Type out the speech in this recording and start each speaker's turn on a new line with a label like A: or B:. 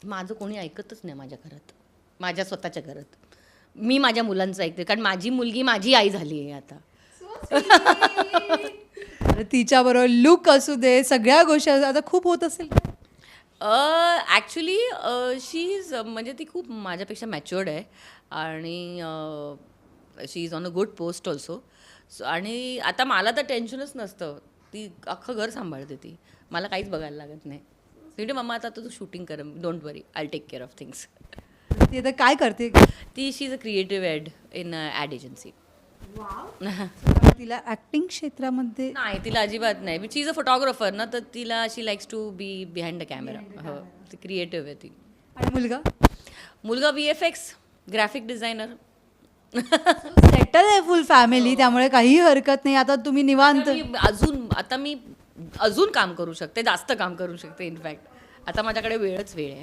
A: माझं कोणी ऐकतच नाही माझ्या घरात, माझ्या स्वतःच्या घरात. मी माझ्या मुलांचं ऐकते, कारण माझी मुलगी माझी आई झाली आहे आता.
B: तिच्याबरोबर लुक असू दे, सगळ्या गोष्टी आता खूप होत असेल.
A: ॲक्च्युली शी इज म्हणजे ती खूप माझ्यापेक्षा मॅच्युअर्ड आहे आणि she is on a good post also. आणि आता मला तर टेन्शनच नसतं, ती अख्खं घर सांभाळते ती, मला काहीच बघायला लागत नाही. ती मम्मा आता तू शूटिंग कर, don't worry, I take care of things.
B: ती आता काय करते?
A: ती she is a creative ad in ad agency.
B: तिला ऍक्टिंग क्षेत्रामध्ये
A: नाही, तिला अजिबात नाही. शी इज अ फोटोग्राफर ना, तर तिला she likes to be behind the camera. हो, ती क्रिएटिव्ह आहे ती.
B: आणि मुलगा
A: मुलगा VFX ग्राफिक डिझायनर.
B: सेटल आहे फुल फॅमिली, त्यामुळे काही हरकत नाही. आता तुम्ही निवांत.
A: आता मी अजून काम करू शकते, जास्त काम करू शकते. इनफॅक्ट आता माझ्याकडे वेळच वेळ आहे.